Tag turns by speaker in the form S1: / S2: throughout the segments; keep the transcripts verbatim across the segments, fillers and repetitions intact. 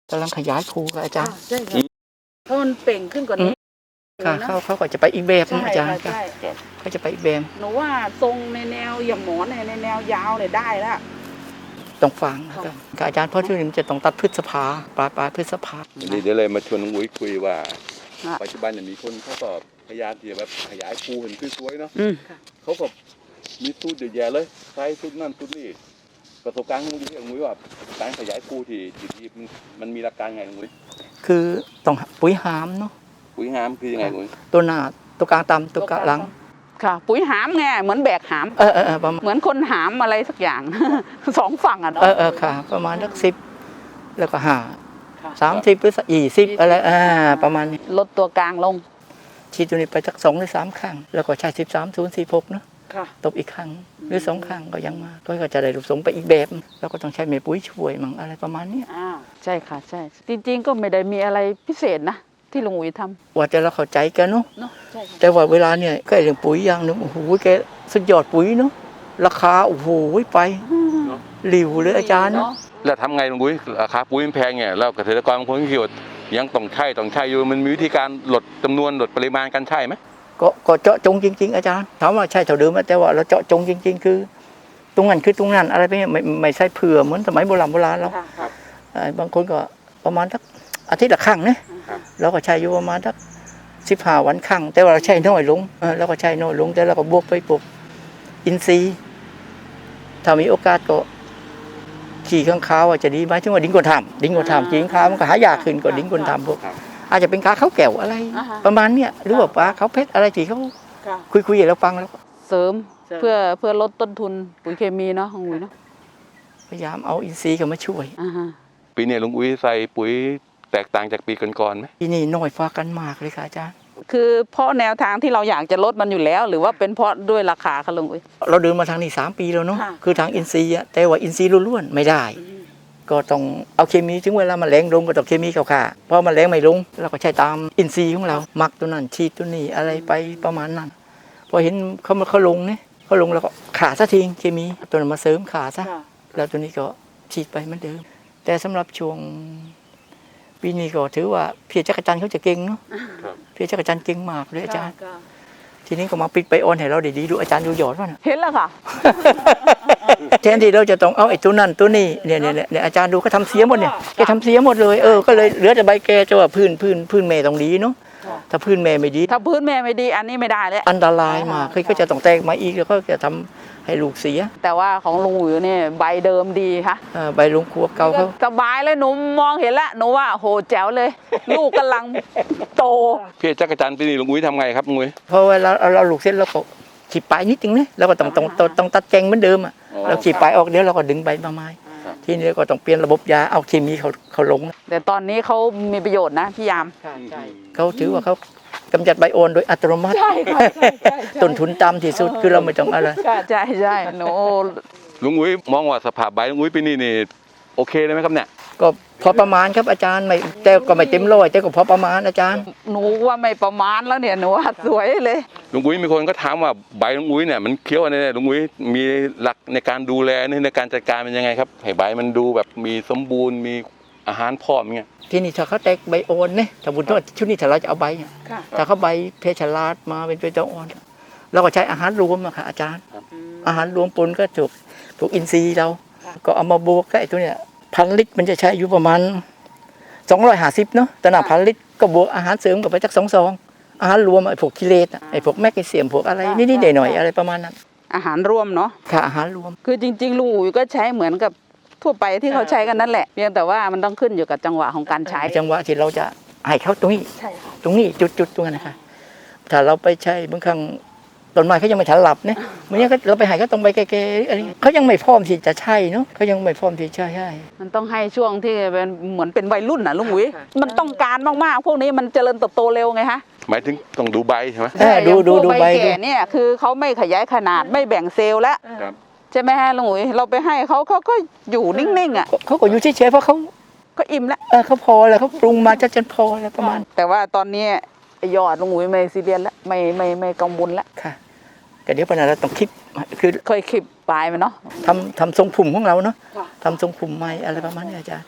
S1: กำลังขยายภูกับอาจารย์
S2: ใช่ค่ะเพราะมันเป่งขึ้นกว่านี้
S1: ค่ะเขาเขาก็จะไปอีกแบบนะอาจารย์เขาจะไปอีกแบบ
S2: หนูว่าทรงในแนวอย่างหมอนในแนวยาวเนี่ยได้แล้ว
S1: ตรงฟังนะครับอาจารย์เพราะที่นี่มันจะต้องตัดพฤษภาปลายปลายพฤษภา
S3: นี่เดี๋ยวเลยมาชวนน้องอุ้ยคุยว่าปัจจุบันเนี่ยมีคนเขาก็พยายามที่จะแบบขยายภูเห็นสวยๆเนาะเขาก็มีสูตรเยอะแยะเลยใช้สูตรนั่นสูตรนี่ประสบการณ์ของน้องอุ้ยว่าการขยายภูที่ที่มันมีหลักการไงน้องอุ้ย
S1: คือต้องปุ๋ยหามเนาะ
S3: ปุ๋ยหามคือยังไงน้องอุ้ย
S1: ตัวหน้าตัวกลางต่ำตัวกลางหลัง
S2: ค่ะปุ๋ยหามไงเหมือนแบกหาม
S1: เออเออประมาณ
S2: เหมือนคนหามอะไรสักอย่างสองฝั่งอ่ะเนาะ
S1: เออเออค่ะประมาณสักสิบแล้วก็ห้าสามสิบหรือยี่สิบอะไรอ่าประมาณนี้
S2: ลดตัวกลางลง
S1: ฉีดตัวนี้ไปสักสองหรือสามครั้งแล้วก็ใช้สิบสามศูนย์สี่หกเนาะตบอีกครั้งหรือสองครั้งก็ยังมาก็จะได้รูปทรงไปอีกแบบแล้วก็ต้องใช้เมปุ๋ยช่วยมั่งอะไรประมาณนี้
S2: อ่าใช่ค่ะใช่จริงๆก็ไม่ได้มีอะไรพิเศษนะที่ลุงอุ๋ยทำ
S1: ว่าแต่เราเข้าใจกันเนาะแต่ว่าเวลาเนี่ยก็เรื่องปุ๋ยอย่างหนึ่งโอ้โหแกสุดยอดปุ๋ยเนาะราคาโอ้โหไปหลิวเลยอาจารย์
S3: แล้วทำไงลุงอุ้ยราคาปุ๋ยมันแพงเนี่ยแล้วเกษตรกรบางคนคิดว่ายังต้องใช้ต้องใช้อยู่มันมีวิธีการลดจำนวนลดปริมาณการใช้ไหม
S1: ก็ก็เจาะจงจริงๆอาจารย์ถามว่าใช่เท่าเดิมแต่ว่าเราเจาะจงจริงๆคือตรงนั้นคือตรงนั้นอะไรไปเนี่ยไม่ไม่ใช่เผื่อเหมือนสมัยโบราณโบราณแล้วบางคนก็ประมาณสักอาทิตย์ละครั้งเนี่ยเราก็ใช้อยู่ประมาณสักสิบห้าวันครั้งแต่ว่าเราใช้น้อยลงเราก็ใช้น้อยลงแต่เราก็บวกไปปลูกอินทรีย์ถ้ามีโอกาสก็ขี่ข้างขาวจะดีไหมถึงว่าดิ้งคนทำดิ้งคนทำจริงข้าวมันก็หายากขึ้นกว่าดิ้งคนทำพวกอาจจะเป็นขาเขาแก้วอะไรประมาณเนี้ยหรือว่าปลาเขาเพชรอะไรที่เขาคุยคุยอย่างเราฟังแล้ว
S2: เสริมเพื่อเพื่อลดต้นทุนปุ๋ยเคมีเนาะของอุ้ยเนาะ
S1: พยายามเอาอินทรีย์เข้ามาช่วย
S3: ปีนี้ลุงอุ้ยใส่ปุ๋ยแตกต่างจากปีก่อนๆไหม
S1: ปีนี้น้อยฟ้ากันมากเลยค่ะอาจารย์
S2: คือเพราะแนวทางที่เราอยากจะลดมันอยู่แล้วหรือว่าเป็นเพราะด้วยราคาค่ะลุงอุ้ย
S1: เราเดินมาทางนี้สามปีแล้วเนาะคือทางอินทรีย์แต่ว่าอินทรีย์ล้วนๆไม่ได้ก็ต้องเอาเคมีถึงเวลามันแรงลงก็ต้องเคมีเข้าค่ะเพราะมันแรงไม่ลงเราก็ใช้ตามอินทรีย์ของเราหมักตัวนั้นฉีดตัวนี้อะไรไปประมาณนั้นพอเห็นเขามาเขาลงเนี่ยเขาลงแล้วก็ขาซะทิ้งเคมีตัวนั้นมาเสริมขาซะแล้วตัวนี้ก็ฉีดไปเหมือนเดิมแต่สำหรับช่วงปีนี้ก็ถือว่าพี่จักรจันทร์เขาจะเก่งเนาะพี่จักรจันทร์เก่งมากเลยอาจารย์ทีนี้ก็มาปิดไปออนให้เราได้ดีดูอาจารย์ดูหยอดว่า
S2: เห็นแล้วค่ะ
S1: แทนที่เราจะต้องเอาไอ้ตัวนั่นตัวนี้เนี่ยเนี่ยเนี่ยอาจารย์ดูเขาทำเสียหมดเนี่ยแกทำเสียหมดเลยเออก็เลยเหลือแต่ใบแกจะว่าพื้นพื้นพื้นแม่ต้องดีเนาะถ้าพื้นแม่ไม่ดี
S2: ถ้าพื้นแม่ไม่ดีอันนี้ไม่ได้เลย
S1: อันตรายมากคือก็จะต้องแตกมาอีกแล้วก็จะทำให้ลูกเสีย
S2: แต่ว่าของลุงอุ๋ยเนี่ยใบเดิมดีค่ะ
S1: ใบลุงขวบเก่าเขา
S2: สบายเลยหนูมองเห็นแล้วหนูว่าโหแจ๋วเลยลูกกำลังโต
S3: พี่จักรจันทร์ปีนี้ลุงอุ้ยทำไงครับลุงอุ้ย
S1: เพราะเวลาเราลูกเสร็จเราก็ขีดปลายนิดนึงนะเราก็ต้องต้องต้องตัดแกงเหมือนเดิมอ่ะเราขีดปลายออกเดี๋ยวเราก็ดึงใบมาใหม่ทีนี้ก็ต้องเปลี่ยนระบบยาเอาเคมีเขาเขาลง
S2: แต่ตอนนี้เขามีประโยชน์นะพี่ยาม
S1: เขาถือว่าเขากำจัดไบโอนโดยอัตโนมัติต้นทุนต่ำที่สุดคือเราไม่ต้องอะไร
S2: ใช่ใช่โน
S3: ลุงอุ้ยมองว่าสภาพใบลุงอุ้ยปีนี้นี่โอเคเลยไหมครับเนี่ย
S1: ก็พอประมาณครับอาจารย์ไม่แต่ก็ไม่เต็มร้อยแต่ก็พอประมาณอาจารย์
S2: หนูว่าไม่ประมาณแล้วเนี่ยหนูว่าสวยเลย
S3: ลุงอุ้ยมีคนก็ถามว่าใบลุงอุ้ยเนี่ยมันเคี้ยวอะไรเนี่ยลุงอุ้ยมีหลักในการดูแลในการจัดการเป็นยังไงครับให้ใบมันดูแบบมีสมบูรณ์มีอาหารพร้อมเงี้ย
S1: ที่นี่ถ้าเขาแตกใบโอนเนี่ยถ้าบุญทอดชุดนี้ถ้าเราจะเอาใบถ้าเขาใบเพชรลาดมาเป็นใบตองอ่อนเราก็ใช้อาหารรวมอะค่ะอาจารย์อาหารรวมปนก็ถูกถูกอินทรีย์เราก็เอามาบวกกับไอ้ตัวเนี้ยพันลิตรมันจะใช้อยู่ประมาณสองร้อยห้าสิบเนาะแต่หน้าพันลิตรก็บวกอาหารเสริมกับไปจากสองซองอาหารรวมไอ้พวกกิเลสไอ้พวกแมกนีเซียมพวกอะไรนิดๆหน่อยๆอะไรประมาณนั้น
S2: อาหารรวมเนาะ
S1: ค่ะอาหารรวม
S2: คือจริงๆลุงอุ๋ยก็ใช้เหมือนกับทั่วไปที่เขาใช้กันนั่นแหละเพียงแต่ว่ามันต้องขึ้นอยู่กับจังหวะของการใช้
S1: จังหวะที่เราจะให้เขาตรงนี้ตรงนี้จุดๆตรงนั้นนะคะถ้าเราไปใช้บางครั้งต้นไม้เขายังไม่ทันหลับเนี่ยเมื่อนี้เราไปหายก็ต้องไปแก่ๆอะไรเขายังไม่พร้อมที่จะใช่เนาะเขายังไม่พร้อมที่จะใช่
S2: มันต้องให้ช่วงที่เป็นเหมือนเป็นวัยรุ่นน่ะลุงอุ๋ยมันต้องการมากๆพวกนี้มันเจริญเติบโตเร็วไงฮะ
S3: หมายถึงต้องดูใบใช่ไหม
S1: ดูดูดูใบ
S2: แก่เนี่ยคือเขาไม่ขยายขนาดไม่แบ่งเซลล์แล้วใช่ไหมฮะลุงอุ๋ยเราไปให้เขาเขาก็อยู่นิ่งๆอ่ะ
S1: เขาก็อยู่เฉยๆเพราะเขา
S2: ก็อิ่มแล้ว
S1: เออเขาพอแล้วเขาปรุงมาจะจนพอแล้วประมาณ
S2: แต่ว่าตอนนี้ยอดลุงอุ๋ยไม่ซีเรียสแล้วไม่ไม่ไม่กังวลแล้ว
S1: ค่ะแต่เดี๋ยวปัญหาเราต้องคิดคือ
S2: เคยคลิปปลายมันเนาะ
S1: ทำทำทรงผมของเราเนาะทำทรงผมใหม่อะไรประมาณนี้อาจารย์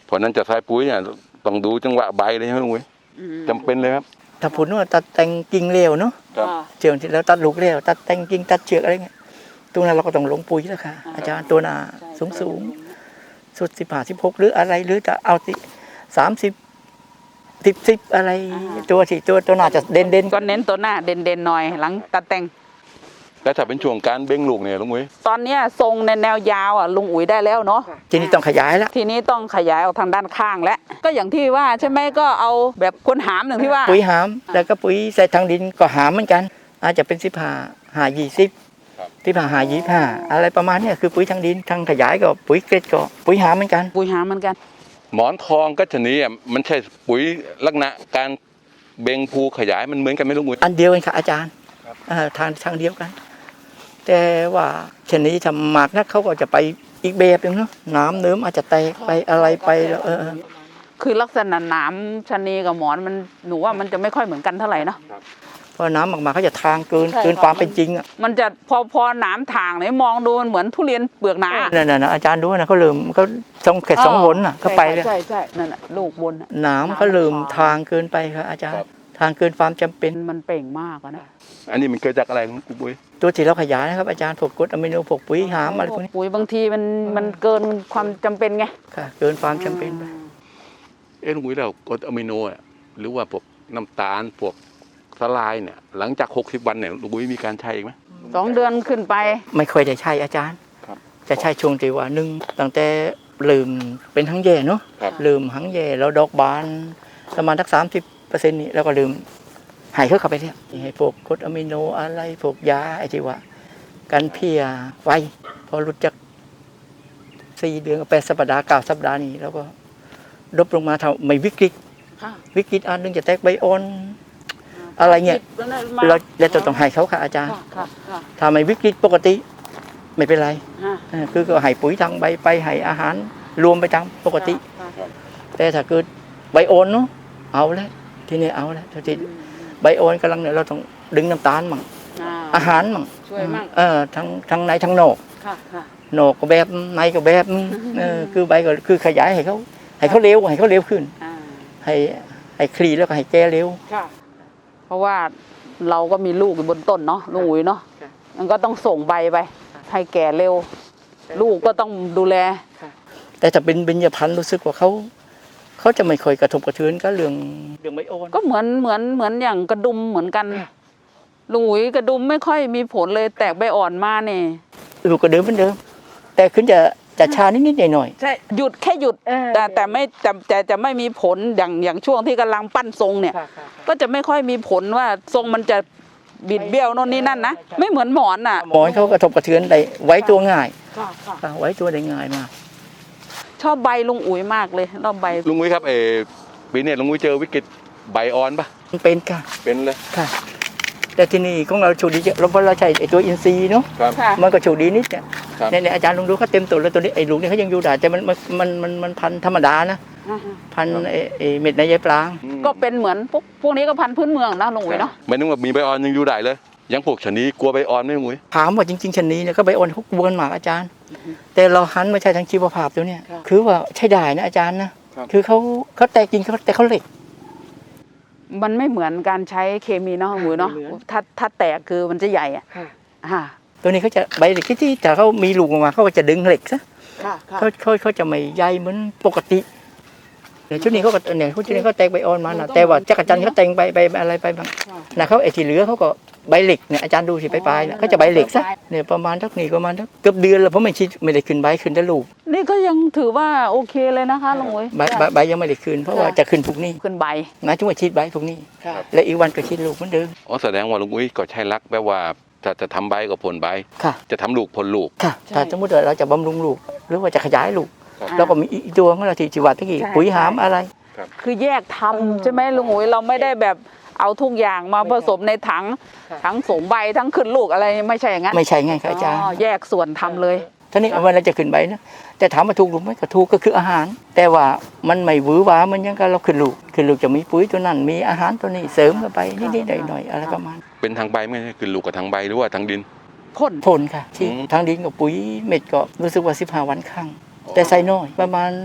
S3: เพราะนั้นจะใส่ปุ๋ยเนี่ยต้องดูจังหวะใบเลยครับลุงอุ้ยจำเป็นเลยครับ
S1: ถ้าผลว่าตัดแต่งกิ่งเร็วเนาะ
S3: ครับ
S1: เชือกที่แล้วตัดลูกเร็วตัดแต่งกิ่งตัดเชือกอะไรเงี้ยตรงนั้นเราก็ต้องลงปุ๋ยแล้วค่ะอาจารย์ตัวหนาสูงสูงสุดสิบห้าสิบหกหรืออะไรหรือจะเอาสิสามสิบสิบสิบอะไรตัวที่ตัวตัวหนาจะเด่นเด่น
S2: ก็เน้นตัวหน้าเด่นๆหน่อยหลังตัดแต่ง
S3: แล้วถ้าเป็นช่วงการเบ่งลูกเนี่ยลุงอุ้ย
S2: ตอนเนี้ยทรงในแนวยาวอ่ะลุงอุ๋ยได้แล้วเนาะ
S1: ทีนี้ต้องขยายแล้ว
S2: ทีนี้ต้องขยายออกทางด้านข้างแล้วก็อย่างที่ว่าใช่ไหมก็เอาแบบคนหามหนึ่งที่ว่า
S1: ปุ๋ยหามแล้วก็ปุ๋ยใส่ทางดินก็หามเหมือนกัน อาจจะเป็นสิบห้าหายี่สิบสิบห้าหายี่ห้าอะไรประมาณเนี้ยคือปุ๋ยทางดินทางขยายก็ปุ๋ยเกล็ดก็ปุ๋ยหามเหมือนกัน
S2: ปุ๋ยหามเหมือนกัน
S3: หมอนทองก็ชนิดอ่ะมันใช่ปุ๋ยลักษณะการเบ่งภูขยายมันเหมือนกันไหมลุงอุ้ย
S1: อันเดียวกันค่ะอาจารย์อ่าทางทางเดียวกัน แต่ว่าชนิดทำหมากนะเขาก็จะไปอีกแบบหนึงเนาะน้ำเนิ้มอาจจะแตกไปอะไรไปแล้วเออ
S2: คือลักษณะหนามชะนีกับหมอนมันหนูว่ามันจะไม่ค่อยเหมือนกันเท่าไหร่เนาะ
S1: เพราะน้ำออกมาเขาจะทางเกิน
S2: ใช่
S1: เกินความเป็นจริงอ่ะ
S2: มันจะพอพอหนามทางเนี่ยมองดูมันเหมือนทุเรียนเปลือกหนา
S1: นั่นน่ะนะอาจารย์ดูนะเขาเริ่มเขาสองแค่สองหนน่ะเขาไปเลย
S2: ใช่ใช่นั่นแหละลูกบนน่ะ
S1: น้ำเขาเริ่มทางเกินไปครับอาจารย์ทางเกินความจำเป็น
S2: มันเปล่งมากอะนะ
S3: อันนี้มันเกิดจากอะไรลุงอุ้ย
S1: ตัวที่เราขยายนะครับอาจารย์พวกกรดอะมิโนพวกปุ๋ยหามอะไรพวกนี้
S2: ปุ๋ยบางทีมันมันเกินความจำเป็นไง
S1: ค่ะเกินความจำเป็นไป
S3: เอ้ลุงอุ้ยแล้วกรดอะมิโนอ่ะหรือว่าพวกน้ำตาลพวกสลายเนี่ยหลังจากหกสิบวันเนี่ยลุงอุ้ยมีการใช้อีกไหม
S2: สองเดือนขึ้นไป
S1: ไม่ค่อยได้ใช้อาจารย์
S3: ครับ
S1: จะใช้ช่วงที่ว่าหนึ่งตั้งแต่ลืมเป็นทั้งแย่เนาะ
S3: ครับ
S1: ลืมทั้งแย่แล้วดอกบานประมาณสักสามสิบเปอร์เซ็นต์นี่แล้วก็ลืมหายเข้าไปเนี่ยให้พวกกรดอะมิโนอะไรพวกยาไอ้ที่ว่ากันเพลียไวพอหลุดจากสี่เดือนกับแปดสัปดาห์เก้าสัปดาห์นี้แล้วก็ดรอปลงมาเท่าไม่วิกฤต
S2: ค่ะ
S1: วิกฤตอันหนึงจะแตกใบอ่อน อะไรเงี้ย เราเราจะต้องให้เขาค่ะอาจารย์
S2: ค่ะค่ะ
S1: ถ้าไม่วิกฤตปกติไม่เป็นไร
S2: ค่ะ
S1: เออคือก็ให้ปุ๋ยทางใบไปให้อาหารรวมไปตามปกติ
S2: ค่ะ
S1: แต่ถ้าเกิดใบอ่อนเนาะเอาแล้วทีนี้เอาแล้วทีนี้ใบอ่อนกำลังเนี่ยเราต้องดึงน้ำตาลมั่ง
S2: อ่า
S1: อาหารมั่ง
S2: ช่วยมั่ง
S1: เออทั้งทั้งในทั้งนอก
S2: ค่ะค่ะ
S1: นอกก็แบบในก็แบบเออคือใบก็คือขยายให้เขาให้เขาเร็วให้เขาเร็วขึ้น
S2: อ่า
S1: ให้ให้คลีแล้วก็ให้แก่เร็ว
S2: ค่ะ เพราะว่าเราก็มีลูกอยู่บนต้นเนาะลุงอุ๋ยเนาะ
S1: ค่ะ
S2: มันก็ต้องส่งใบไป ให้แก่เร็ว ลูกก็ต้องดูแล
S1: แต่ถ้าเป็นเบญจพรรณรู้สึกว่าเขาเขาจะไม่ค่อยกระทบกระเทือนก็เรื่องเรื่องใบอ่อน
S2: ก็เหมือนเหมือนเหมือนอย่างกระดุมเหมือนกันลุงอุ๋ยกระดุมไม่ค่อยมีผลเลยแตกใบอ่อนมาเนี่ย
S1: ลูกก็เดิมเหมือนเดิม แต่ขึ้นจะจะชานิดๆหน่อย
S2: ใช่หยุดแค่หยุด
S1: เออ
S2: แต่แต่ไม่แต่แต่จะไม่มีผลอย่างอย่างช่วงที่กำลังปั้นทรงเนี่ย ก็จะไม่ค่อยมีผลว่าทรงมันจะบิดเบี้ยวโน่นนี่นั่นนะไม่เหมือนหมอนอ่ะ
S1: หมอนเขากระทบกระเทือนได้ไว้ตัวง่ายค่ะไว้ตัวได้ง่ายมาก
S2: ชอบใบลุงอุ๋ยมากเลยรอบใบ
S3: ลุงอุ้ยครับเออปีนี้ลุงอุ้ยเจอวิกฤตใบอ่อนปะ
S1: มันเป็นค่ะ
S3: เป็นเลย
S1: ค่ะ แต่ที่นี่ของเราโชคดีเราเพราะเราใช้ไอ้ตัวอินทรีย์เนาะ
S3: ครับ
S2: ค่ะ
S1: มันก็โชคดีนิดเนี่ย
S3: ครับ
S1: เนี่ยอาจารย์ลองดูเขาเต็มตัวแล้วตัวนี้ไอ้ลูกนี่เขายังอยู่ได้แต่มันมันมันมันมันพันธุ์ธรรมดานะพันธุ์ไอ้ไอ้เม็ดในใยปลาง
S3: อืม
S2: ก็เป็นเหมือนพวกพวกนี้ก็พันธุ์พื้นเมืองนะลุงอุ๋ยเนาะ
S3: ไม่นึกว่ามีใบอ่อนยังอยู่ได้เลย ยังพวกชะนีกลัวใบอ่อนไหมลุงอุ้ย
S1: ถามว่าจริงๆชนนี้เนี่ยก็ใบอ่อนเขากวนหมากอาจารย์ แต่เราหันมาใช้ทางชีวภาพตัวเนี่ยคือว่าใช้ได้นะอาจารย์นะคือเขาเขาแตกจริงเขาแต่เขาเหล็ก
S2: มันไม่เหมือนการใช้เคมีเนาะลุงอุ๋ยเนาะ
S1: ไม่เหมือน
S2: ถ้าถ้าแตกคือมันจะใหญ่อ่ะอ่า
S1: ตัวนี้เขาจะใบเหล็กที่แต่เขามีลูกออกมาเขาก็จะดึงเหล็กซะ
S2: ค่ะค่ะ
S1: เขาเขาเขาจะไม่ใยเหมือนปกติเนี่ยชุดนี้เขาก็เนี่ยชุดนี้เขาแตกใบอ่อนมานะแต่ว่าจักรจันทร์เขาแต่งใบใบอะไรไปบ้างนะเขาไอ้ที่เหลือเขาก็ใบเหล็กเนี่ยอาจารย์ดูสิปลายๆเนี่ยเขาจะใบเหล็กซะเนี่ยประมาณสักนี่ประมาณสักเกือบเดือนแล้วเพราะไม่ชิดไม่ได้ขึ้นใบขึ้นแต่ลูก
S2: นี่ก็ยังถือว่าโอเคเลยนะคะลุงอุ๋ย
S1: ใบใบใบยังไม่ได้ขึ้นเพราะว่าจะขึ้นพวกนี้
S2: ขึ้นใบ
S1: นะจุ่มชิดใบพวกนี้ และอีกวันก็ชิดลูกเหมือนเดิม
S3: อ๋อแสดงว่าลุงอุ้ยก็ใช้รักแปลว่าจะจะทำใบก็ผลใบ
S1: ค่ะ
S3: จะทำลูกผลลูก
S1: ค่ะ
S2: ใช่
S1: ถ้าสมมติว่าเราจะบำรุงลูก หรือว่าจะขยายลูก
S3: ครับ
S1: เราก็มีอีกตัวของเราที่จิวัตที่
S2: ใช่
S1: ปุ๋ยหามอะไร
S2: คือแยกทำใช่ไหมลุงอุ๋ยเราไม่ได้แบบเอาทุกอย่างมาผสมในถัง
S1: ค่ะ
S2: ทั้งสมใบทั้งขึ้นลูกอะไรไม่ใช่อย่างนั้น
S1: ไม่ใช่ไงครับอาจารย์
S2: อ๋อแยกส่วนทำเลย
S1: ท่านี้เอาไว้เราจะขึ้นใบนะแต่ถามว่าถูกหรือไม่ก็ถูกก็คืออาหาร แต่ว่ามันไม่หวือหวามันยังกับเราขึ้นลูกขึ้นลูกจะมีปุ๋ยตัวนั้นมีอาหารตัวนี้เสริมเข้าไปนิดๆหน่อยๆอะไรประมาณ
S3: เป็นทางใบไม่ใช่คือลูกกับทางใบหรือว่าทางดิน
S2: พ่น
S1: พ่นค่ะที่
S3: อืม
S1: ทางดินกับปุ๋ยเม็ดก็รู้สึกว่าสิบห้าวันครั้งแต่ใส่น้อยประมาณ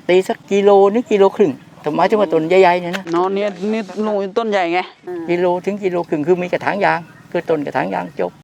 S1: ตีสักกิโลนึงกิโลครึ่งแต่หมายถึงว่าต้นใหญ่ๆเนี่ยนะ
S2: เนาะเนี่ยนี่ลุงต้นใหญ่ไง
S1: กิโลถึงกิโลครึ่งคือมีกระถางยางคือต้นกระถางยางจบ